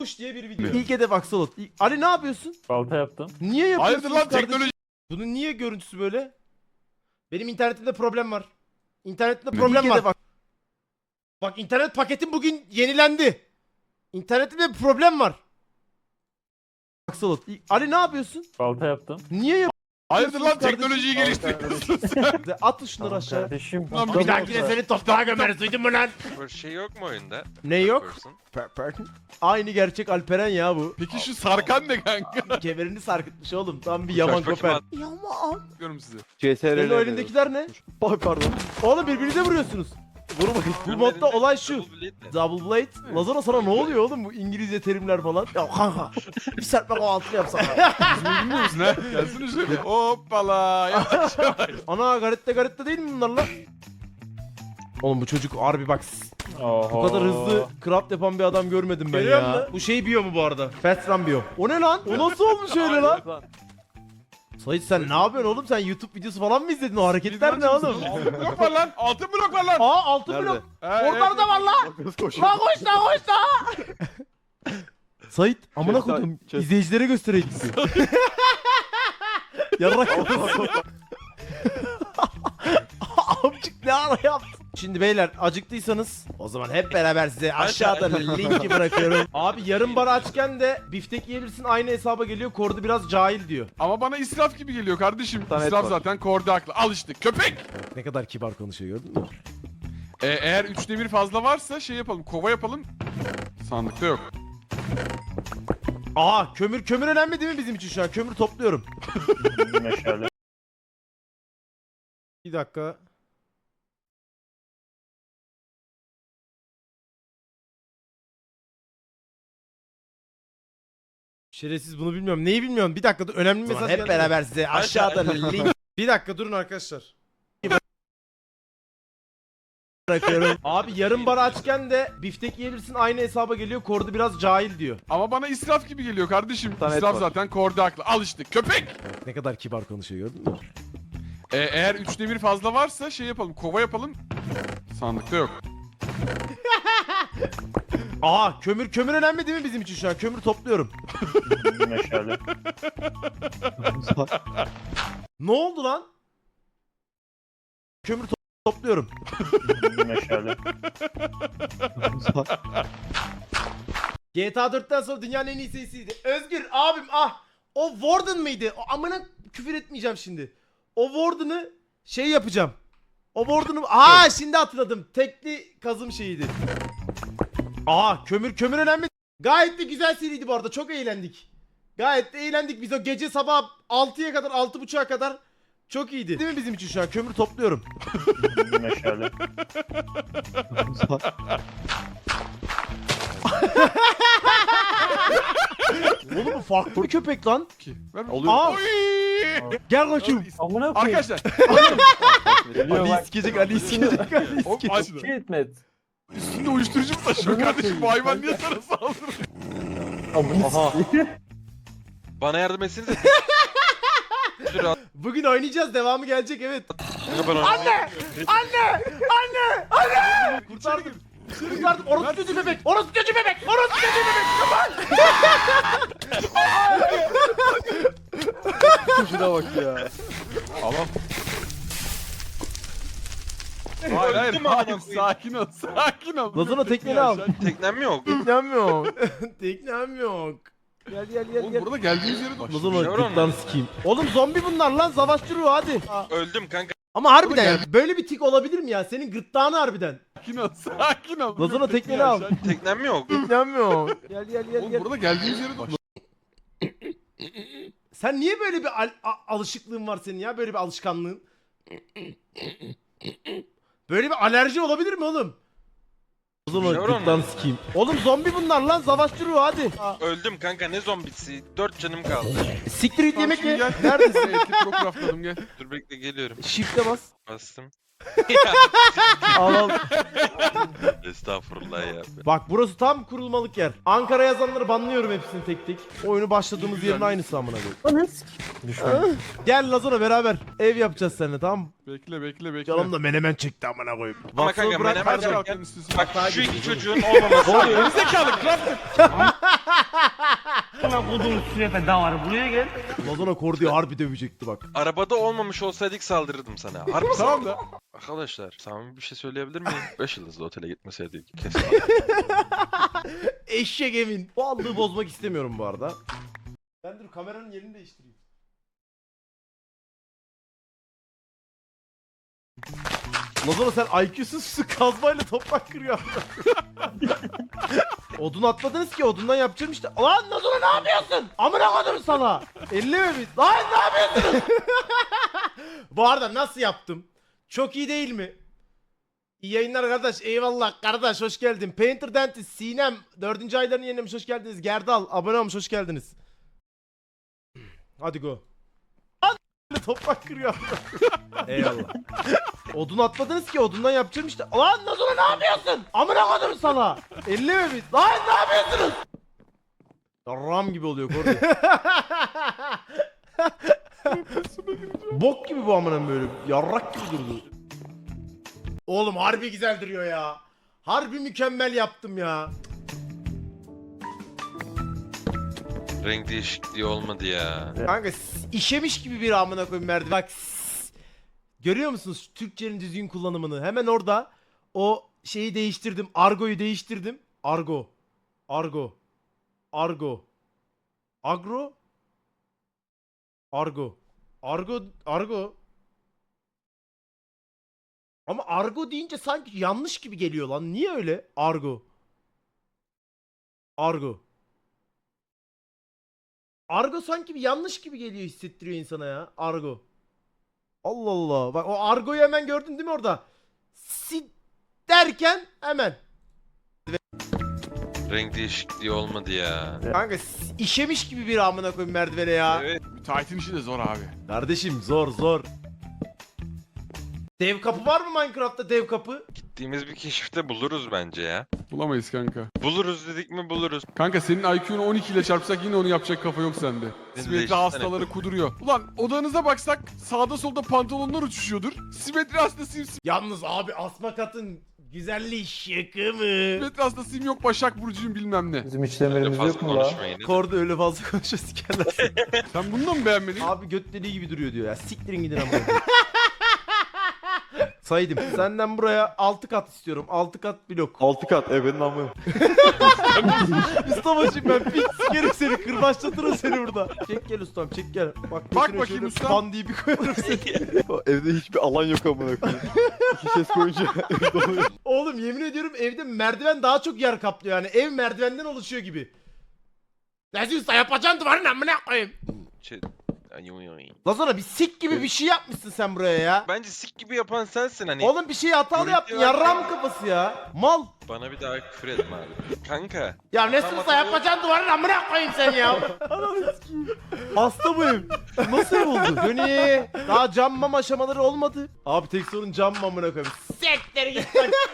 Kuş diye bir video. İlk hedef Axolot. Ali ne yapıyorsun? Balta yaptım. Niye yapıyorsun? Hayırdır lan teknoloji? Bunun niye görüntüsü böyle? Benim internetimde problem var. İnternetimde problem var. Bak internet paketim bugün yenilendi. İnternetimde bir problem var. Axolot. Ali ne yapıyorsun? Balta yaptım. Niye yapıyorsun? Hayırdır lan kardeşim? teknolojiyi geliştiriyorsun? At şunları aşağı. Kardeşim. Lan Bir dahakine seni toprağa gömeriz, duydun mu lan? Böyle şey yok mu oyunda? Ne yok? Person. Aynı gerçek Alperen ya bu. Peki şu sarkan ne kanka? Kemerini sarkıtmış oğlum. Tam bir yaman Kaç koper. bakayım Yaman. Diyorum size. Senin o elindekiler ne? Pardon. Oğlum birbirinize vuruyorsunuz. Vurmayın. Bu modda olay şu. Double blade. Lazona sana ne oluyor oğlum bu İngilizce terimler falan? Ya kanka. Bir serpme kahvaltı yapsana. Bilmiyor musun ha? Gelsene şöyle. Hoppala. Yavaş yavaş. Ana garette değil mi bunlar lan? Oğlum bu çocuk harbi bak. Bu kadar hızlı craft yapan bir adam görmedim ben ya. Bu şey biyo mu bu arada? Fast run biyo. O ne lan? O nasıl olmuş öyle lan? Sait sen ne yapıyorsun oğlum? Sen YouTube videosu falan mı izledin? O hareketler ne oğlum? Altın blok var lan. Altın blok var lan. Aa altın blok. Oradan da var lan. Lan koş lan. Sait amına koydum. İzleyicilere göstereydik. Yarrak. Amcık ne ara yaptın? Şimdi beyler acıktıysanız o zaman hep beraber size aşağıda linki bırakıyorum. Abi yarım bar açken de biftek yiyebilirsin aynı hesaba geliyor. Kordu biraz cahil diyor. Ama bana israf gibi geliyor kardeşim. İsraf zaten korda haklı. Al işte köpek. Ne kadar kibar konuşuyor gördün mü? Eğer 3'te 1 fazla varsa şey yapalım. Kova yapalım. Sandıkta yok. Aha kömür önemli değil mi bizim için şu an? Kömür topluyorum. Meşale. Bir dakika. Şerefsiz bunu bilmiyorum. Neyi bilmiyorum. Bir dakika dur. Önemli bir mesaj hep beraber size aşağıda link. Bir dakika durun arkadaşlar. Bırakıyorum. Abi yarım bar açken de biftek yiyebilirsin aynı hesaba geliyor. Kordu biraz cahil diyor. Ama bana israf gibi geliyor kardeşim. İsraf zaten korda haklı. Al işte köpek. Ne kadar kibar konuşuyor gördün mü? Eğer 3'te 1 fazla varsa şey yapalım. Kova yapalım. Sandıkta yok. Aha kömür önemli değil mi bizim için şu an? Kömür topluyorum. Meşale. Ne oldu lan? Kömür topluyorum. Meşale. GTA 4'ten sonra dünyanın en iyi serisiydi. Özgür abim ah. O Warden mıydı? O amına küfür etmeyeceğim şimdi. O Warden'ı şey yapacağım. O Warden'ı şimdi hatırladım. Tekli kazım şeyiydi. Aha kömür önemli. Gayet de güzel seriydi bu arada. Çok eğlendik. Gayet de eğlendik biz o gece sabah 6'ya kadar 6.30'a kadar çok iyiydi. Değil mi bizim için şu an? Kömür topluyorum. Meşale. Oğlum bu farklı bir köpek lan. Ver Oluyor. Aa, Oy! gel bakayım. Amına koyayım. Arkadaşlar. Geliyor bak. sikecek, Ali sikecek, Ali Hop aç şunu. Gitmet. Üstünde uyuşturucu mu taşıyor kardeşim? Bu hayvan niye sana saldırıyor? Aha. Bana yardım etsenize. Dur at. Bugün oynayacağız. Devamı gelecek evet. Anne! Kurtardım. Kurtardım. Orası kötü bebek. Orası kötü bebek. Orası kötü bebek. Şuna bak ya. Tamam. Hayır hayır Öldüm amına hayır koyayım. sakin ol sakin ol. Lazona tekneni al. Teknem yok. Teknem yok. Teknem yok. Gel Oğlum burada geldiğimiz yere dur. Lazona Yavrum. gırtlan sikeyim. Oğlum zombi bunlar lan. Savaşçı ruhu hadi. Öldüm kanka. Ama harbiden Oğlum ya, böyle bir tik olabilir mi ya? Senin gırtlağını harbiden. Sakin ol sakin ol. Lazona tekneni al. Teknem yok. Teknem yok. Gel Oğlum burada geldiğimiz yere dur. Sen niye böyle bir alışıklığın var senin ya? Böyle bir alışkanlığın. Böyle bir alerji olabilir mi oğlum? O zaman Yavrum. gırtlan sikeyim. Oğlum zombi bunlar lan. Savaşçı ruhu hadi. Öldüm kanka ne zombisi. 4 canım kaldı. Siktir git yemek ye. Gel. Neredesin? Etli pro craftladım gel. Dur bekle geliyorum. Shift'e bas. Bastım. Al al. Estağfurullah ya. Bak burası tam kurulmalık yer. Ankara yazanları banlıyorum hepsini tek tek. Oyunu başladığımız Güzel. yerin aynısı amına koyayım. Gel Lazona beraber ev yapacağız seninle tamam mı? Bekle. Canım da menemen çekti amına koyayım. Ama Waffle kanka bırak, menemen hadi. Kaç çek. kalkanın üstüsün. Bak şu iki çocuğun olmaması. Gerizekalı craft. Buna kodum sürefe davarı buraya gel. Lazona Kordi'yi harbi dövecekti bak. Arabada olmamış olsaydık saldırırdım sana. Harbi Tamam da. Arkadaşlar samimi bir şey söyleyebilir miyim? 5 yıldızlı otele gitmeseydik kesin. Eşek emin. Bu aldığı bozmak istemiyorum bu arada. Ben dur kameranın yerini değiştireyim. Lazona sen IQ'suz su kazmayla toprak kırıyor. Odun atmadınız ki odundan yapacağım işte. Lan Lazona ne yapıyorsun? Amına koydum sana. Elleme bir. Lan ne yapıyorsun? Bu arada nasıl yaptım? Çok iyi değil mi? İyi yayınlar kardeş. Eyvallah kardeş. Hoş geldin. Painter Dentist, Sinem 4. aylarını yenilemiş. Hoş geldiniz. Gerdal abone olmuş. Hoş geldiniz. Hadi go. Toprak kırıyor. Eyvallah. Odun atmadınız ki odundan yapacağım işte. Lan Lazona ne yapıyorsun? Amına koydum sana. Elleme bir. Lan ne yapıyorsunuz? Ram gibi oluyor Kordi. Bok gibi bu amına böyle. Yarrak gibi durdu. Oğlum harbi güzel duruyor ya. Harbi mükemmel yaptım ya. Renk değişikliği olmadı ya. Kanka işemiş gibi bir amına koyayım merdiven. Bak görüyor musunuz Türkçenin düzgün kullanımını? Hemen orada o şeyi değiştirdim. Argo'yu değiştirdim. Argo. Argo. Argo. Agro. Argo. Argo. Argo. Ama argo deyince sanki yanlış gibi geliyor lan. Niye öyle? Argo. Argo. Argo sanki bir yanlış gibi geliyor hissettiriyor insana ya. Argo. Allah Allah. Bak o argoyu hemen gördün değil mi orada? Si derken hemen. Renk değişikliği olmadı ya. Kanka işemiş gibi bir amına koyayım merdivene ya. Evet. Müteahhitin işi de zor abi. Kardeşim zor zor. Dev kapı var mı Minecraft'ta dev kapı? Gittiğimiz bir keşifte buluruz bence ya. Bulamayız kanka. Buluruz dedik mi buluruz. Kanka senin IQ'nu 12 ile çarpsak yine onu yapacak kafa yok sende. Biz Simetri değiştirsene. hastaları kuduruyor. Ulan odanıza baksak sağda solda pantolonlar uçuşuyordur. Simetri hastasıyım. Yalnız abi asma katın güzelliği şaka mı? Simetri hastasıyım yok Başak Burcu'yum bilmem ne. Bizim Öyle işlemlerimiz fazla yok mu la? konuşmayın. Korda öyle fazla konuşuyor sikerler. Sen bunu da mı beğenmedin? Abi göt deliği gibi duruyor diyor ya. Siktirin gidin ama. Saydım. Senden buraya 6 kat istiyorum. 6 kat blok. 6 kat ebenin amı. Mustafa'cığım ben pis sikerim seni. Kırbaçlatırım seni burada. Çek gel ustam çek gel. Bak götüne bakayım şöyle ustam. Pan diye bir koyarım seni. Evde hiçbir alan yok amına koyayım. 2 ses koyunca ev doluyor. Oğlum yemin ediyorum evde merdiven daha çok yer kaplıyor yani. Ev merdivenden oluşuyor gibi. Nezih usta yapacaksın duvarın amına koyayım. Lazona bir sik gibi bir şey yapmışsın sen buraya ya. Bence sik gibi yapan sensin hani. Oğlum bir şey hatalı Görüntü yaptın. var. Yarram kafası ya. Mal. Bana bir daha küfür etme abi. Kanka. Ya Nezih usta yapacaksın duvarın amına koyayım sen ya. Ananı sikeyim. Hasta bu ev. Nasıl ev oldu? Döni. Daha cam mam aşamaları olmadı. Abi tek sorun cam mamına koyayım. Sektir git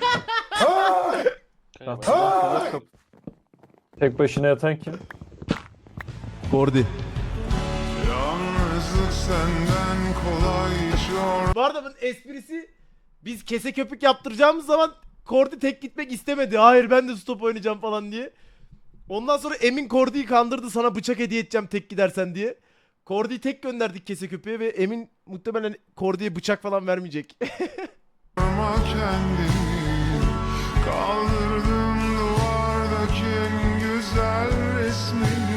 bak. Tek başına yatan kim? Kordi. Yalnızlık senden kolay Bu arada bunun esprisi biz kese köpük yaptıracağımız zaman Kordi tek gitmek istemedi. Hayır ben de stop oynayacağım falan diye. Ondan sonra Emin Kordi'yi kandırdı sana bıçak hediye edeceğim tek gidersen diye. Kordi'yi tek gönderdik kese köpüğe ve Emin muhtemelen Kordi'ye bıçak falan vermeyecek. yorma kendini. Kaldırdım duvardaki en güzel resmini.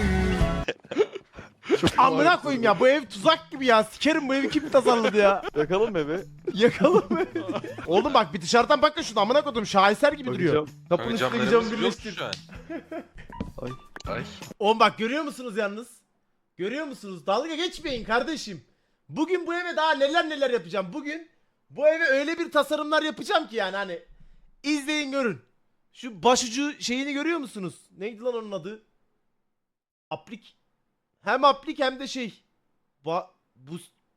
Amına koyayım ya bu ev tuzak gibi ya. Sikerim bu evi kim tasarladı ya. Yakalım evi. Yakalım mı? Oğlum bak bir dışarıdan bakın şuna amına koydum şaheser gibi duruyor. Bakacağım. Kapının Kanka üstündeki camlarımız camı yok birleştir. şu an. Ay. Ay. Oğlum bak görüyor musunuz yalnız? Görüyor musunuz? Dalga geçmeyin kardeşim. Bugün bu eve daha neler yapacağım. Bugün bu eve öyle bir tasarımlar yapacağım ki yani hani izleyin görün. Şu başucu şeyini görüyor musunuz? Neydi lan onun adı? Aplik. Hem aplik hem de şey. Bu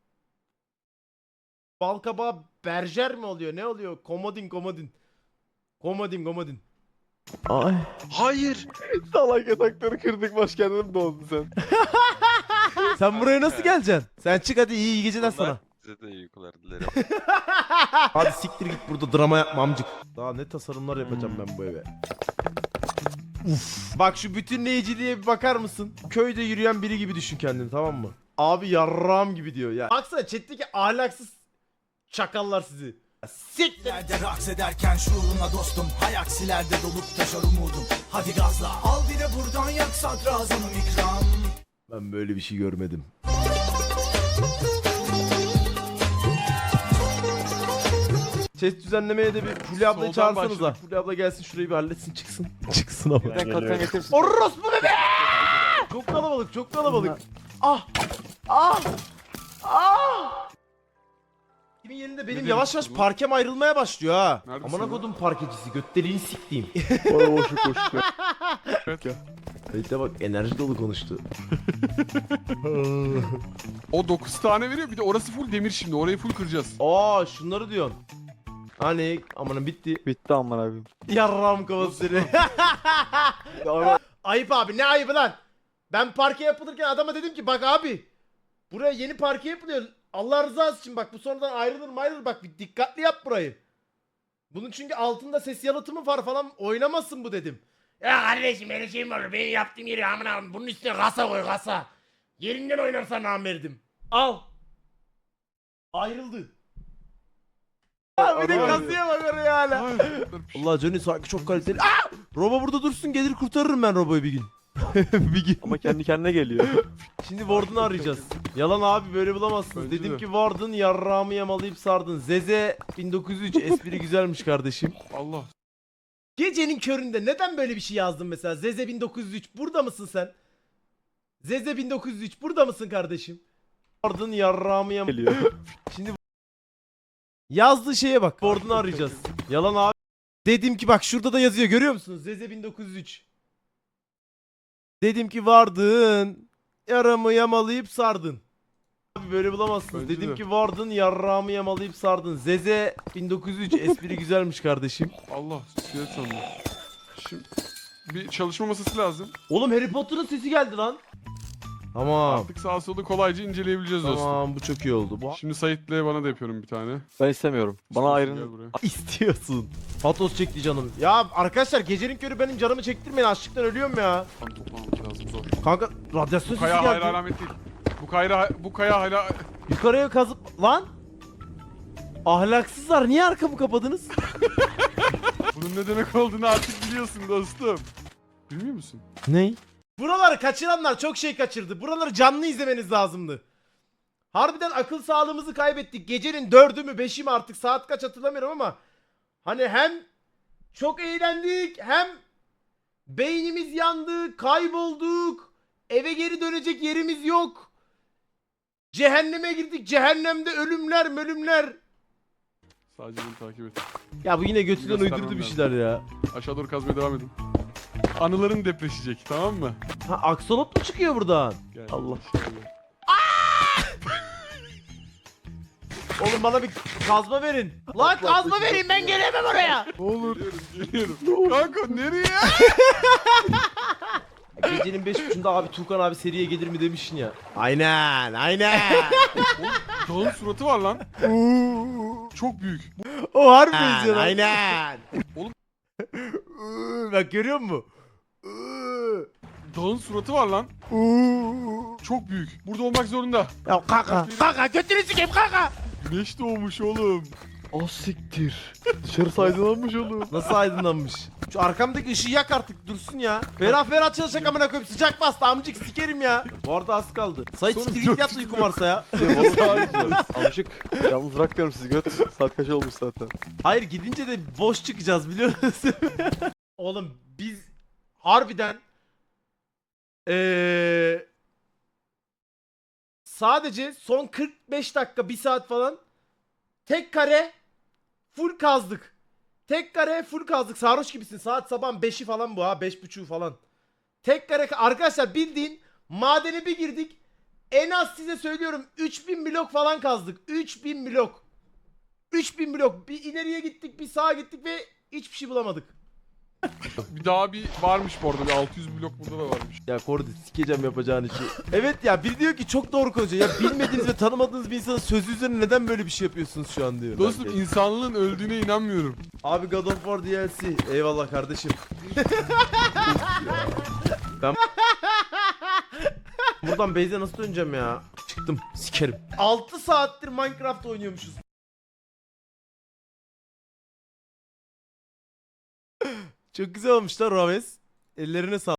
balkabağı berjer mi oluyor? Ne oluyor? Komodin. Komodin. Ay. Hayır. Salak yatakları kırdık başkendim mi doğdun sen? Sen buraya nasıl geleceksin? Sen çık hadi iyi geceler sana. Size de iyi uykular dilerim. Hadi siktir git burada drama yapma amcık. Daha ne tasarımlar yapacağım ben bu eve. Uf. Bak şu bütünleyiciliğe bir bakar mısın? Köyde yürüyen biri gibi düşün kendini, tamam mı? Abi yarram gibi diyor ya. Baksana chat'teki ahlaksız çakallar sizi. Siktir. Nerede raks ederken şuuruna dostum. Hay aksilerde dolup taşar umudum. Hadi gazla al bir de buradan yak sadrazamım ikram. Ben böyle bir şey görmedim. Ses düzenlemeye de bir Fulya ablayı Soldan çağırsanıza. başladık. Fulya abla gelsin şurayı bir halletsin, çıksın. Çıksın ama. Ben kalkan getirir misin? Orospu bebe! Çok kalabalık, çok kalabalık. Ah! Ah! Ah! Kimin yerinde benim Ne yavaş demek yavaş bu? parkem ayrılmaya başlıyor ha. Neredesin Amına lan? kodum parkecisi, götlerini siktiğim. Bana boşluk boşluk. Hatta bak enerji dolu konuştu. O 9 tane veriyor. Bir de orası full demir şimdi. Orayı full kıracağız. Aa şunları diyorsun. Hani amanın bitti. Bitti aman abim. Yarram kafası seni. Ayıp abi, ne ayıbı lan? Ben parke yapılırken adama dedim ki bak abi buraya yeni parke yapılıyor. Allah rızası için bak bu sonradan ayrılır bak bir dikkatli yap burayı. Bunun çünkü altında ses yalıtımı var falan, oynamasın bu dedim. Ya kardeşim öyle şey mi olur? Benim yaptığım yeri amına bunun üstüne kasa koy kasa. Yerinden oynarsan namerdim. Al. Ayrıldı. Abi de kasaya bak oraya hala. Allah Johnny sanki çok kaliteli. Aa! Robo burada dursun, gelir kurtarırım ben Robo'yu bir gün. bir gün. Ama kendi kendine geliyor. Şimdi Warden'ı arayacağız. Yalan abi, böyle bulamazsınız. Bence Dedim de. ki Warden yarrağımı yamalayıp sardın. Zeze 1903 espri güzelmiş kardeşim. Allah. Gecenin köründe neden böyle bir şey yazdın mesela? Zeze 1903 burada mısın sen? Zeze 1903 burada mısın kardeşim? Warden yarrağımı Geliyor. Şimdi yazdığı şeye bak. Warden'ı arayacağız. Yalan abi. Dedim ki bak şurada da yazıyor, görüyor musunuz? Zeze 1903. Dedim ki vardın, yaramı yamalayıp sardın. Abi böyle bulamazsınız. Bence Dedim de. ki vardın, yarrağımı yamalayıp sardın. Zeze 1903 espri güzelmiş kardeşim. Allah. Siyaset sandım. Şimdi bir çalışma masası lazım. Oğlum Harry Potter'ın sesi geldi lan. Tamam. Artık sağa solu kolayca inceleyebileceğiz dostum. Tamam bu çok iyi oldu. Bu Şimdi Sait'le bana da yapıyorum bir tane. Ben istemiyorum. Bana Gel ayrın. buraya. istiyorsun. Patos çekti canım. Ya arkadaşlar gecenin körü benim canımı çektirmeyin, açlıktan ölüyorum ya. Kan toplamamız lazım zor. Kanka radyasyon Bu sesi kaya geldi. hala alamet değil. Bu kaya hala... Yukarıya kazıp lan. Ahlaksızlar, niye arkamı kapadınız? Bunun ne demek olduğunu artık biliyorsun dostum. Bilmiyor musun? Ney? Buraları kaçıranlar çok şey kaçırdı. Buraları canlı izlemeniz lazımdı. Harbiden akıl sağlığımızı kaybettik. Gecenin 4'ü mü 5'i mi artık saat kaç hatırlamıyorum ama hani hem çok eğlendik hem beynimiz yandı, kaybolduk. Eve geri dönecek yerimiz yok. Cehenneme girdik. Cehennemde ölümler. Sadece beni takip et. Ya bu yine götünden Göstermem uydurdu bir lazım. şeyler ya. Aşağı doğru kazmaya devam edin. Anıların depreşecek, tamam mı? Ha aksolot mu çıkıyor buradan? Gel. Allah. İnşallah. Oğlum bana bir kazma verin. Lan kazma verin, ben gelemem oraya. Ne olur. Geliyorum. Kanka nereye? Gecenin 5.30'da abi Tuğkan abi seriye gelir mi demişsin ya. Aynen. Dağın suratı var lan. Çok büyük. O harbi benziyor lan. Aynen. Oğlum. Bak görüyor musun? Dağın suratı var lan. Çok büyük. Burada olmak zorunda. Ya kaka götünü sikeyim kaka. Güneş doğmuş oğlum. Ah siktir. Dışarısı aydınlanmış oğlum. Nasıl aydınlanmış? Şu arkamdaki ışığı yak artık dursun ya. Ferah çalışacak amına koyayım, sıcak bastı amcık sikerim ya. Bu arada az kaldı. Sayın Sonra siktir git yat uykum varsa ya. Amcık. Yalnız bırakmıyorum sizi göt. Saat kaç olmuş zaten. Hayır gidince de boş çıkacağız biliyor musun? Oğlum biz harbiden sadece son 45 dakika 1 saat falan tek kare full kazdık. Tek kare full kazdık. Sarhoş gibisin. Saat sabah 5'i falan bu ha. 5.30 falan. Tek kare arkadaşlar bildiğin madene bir girdik. En az size söylüyorum 3000 blok falan kazdık. 3000 blok. 3000 blok. Bir ileriye gittik, bir sağa gittik ve hiçbir şey bulamadık. Bir daha bir varmış bu arada. Bir 600 blok burada da varmış. Ya Kordi sikeceğim yapacağın işi. Evet ya biri diyor ki çok doğru konuşuyor. Ya bilmediğiniz ve tanımadığınız bir insanın sözü üzerine neden böyle bir şey yapıyorsunuz şu an diyor. Dostum Belki. insanlığın öldüğüne inanmıyorum. Abi God of War DLC. Eyvallah kardeşim. Ben buradan base'e nasıl döneceğim ya? Çıktım. Sikerim. 6 saattir Minecraft oynuyormuşuz. Çok güzel olmuş lan Raves. Ellerine sağlık.